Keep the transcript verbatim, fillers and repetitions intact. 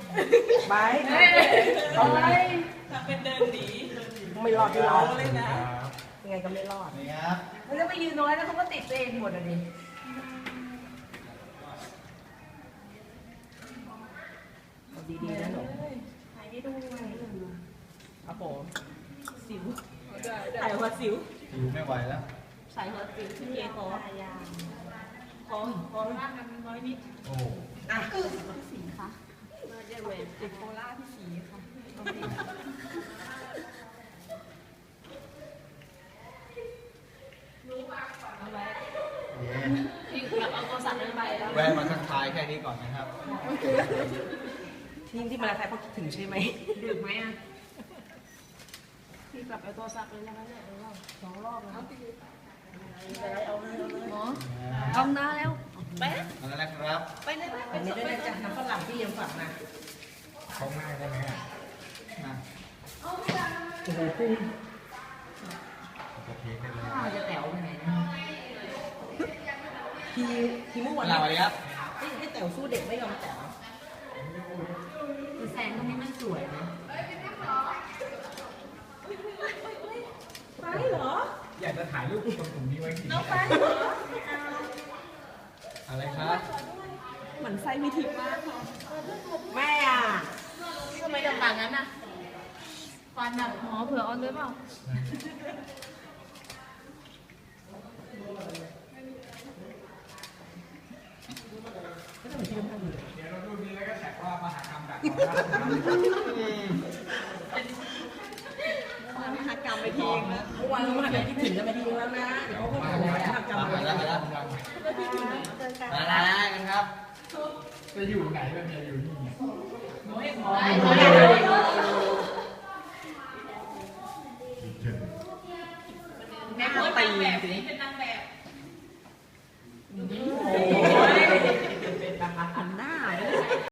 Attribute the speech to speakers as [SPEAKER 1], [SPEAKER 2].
[SPEAKER 1] ไปเอาไปทำเป็นเดินหนีไม่รอดไม่รอดเลยนะยังไงก็ไม่รอด
[SPEAKER 2] นี่ครับ
[SPEAKER 3] แล้วจะไปยืนน้อยแล้วเขาก็ติดตัวเองหมดอ่ะดิ
[SPEAKER 1] ดีๆนะหนู
[SPEAKER 3] ถ่ายได้ด้วย
[SPEAKER 1] ครับผมสิวถ่ายหัวสิว
[SPEAKER 2] สิวไม่ไหวแล้ว
[SPEAKER 1] ใส่หัวสิวที่เอคอคอคอล่างกันน้อยนิด
[SPEAKER 2] โอ้
[SPEAKER 1] อ่ะพี่สีค่ะมาเยอะเวทติดโคล่าพี่สีค่ะพี่แบบเอาตัวสั่นไปแล้ว
[SPEAKER 2] แวะมาทักทายแค่นี้ก่อนนะครับ
[SPEAKER 1] ที่ที่มาทักทายเพราะคิดถึงใช่ไหมดึกไหมอ่ะพี่กลับเอาตัวสั่นเลยนะคะเนี่ยสองรอบแล้วหมอเอาหน้าแล้วไป
[SPEAKER 2] เอาแล้วนะครับ
[SPEAKER 1] ไปเลยไปเลยไปจากน้ำฝรั่งที่ยังฝากมา
[SPEAKER 2] เขาง่ายได้ไหมอ่ะนะ
[SPEAKER 1] โอ้โหพุ่ง
[SPEAKER 2] จะเทได้เลย
[SPEAKER 1] ข้าวจะแต๋วยังไงนะทีทีเมื่อวัน
[SPEAKER 2] สวัสดีครับ
[SPEAKER 1] ให้แต๋วสู้เด็กไม่ยอมแต๋วคือแสงตรงนี้มันสวยนะไปเหรอ
[SPEAKER 2] อยากจะถ่ายรูปตรงกลุ่มนี้ไว้จริง
[SPEAKER 1] น้องไปเหรอ
[SPEAKER 2] อะไรครับ
[SPEAKER 1] เหมือนไส้มีทิพย์มากค่ะแม่อ่ะทำไมต่างๆงั้นอ่ะฟันแบบหมอเผื่อออนด้วยเปล่าเดี๋ยวเราดูนี้แล้วก็แท็กว่ามหากรรมดักมหากรรมไปทีนึงแล้ววันมหากรรมที่ถึงจะไปทีนึงแล้วนะเดี๋ยวเขาก็ถึงแล้วมหากรรม
[SPEAKER 2] มาแล้วมาแล้วมาแล้วกันครับจะอยู่ไหนแบบนี้อยู่นี่
[SPEAKER 1] แม่ก็ตีสิ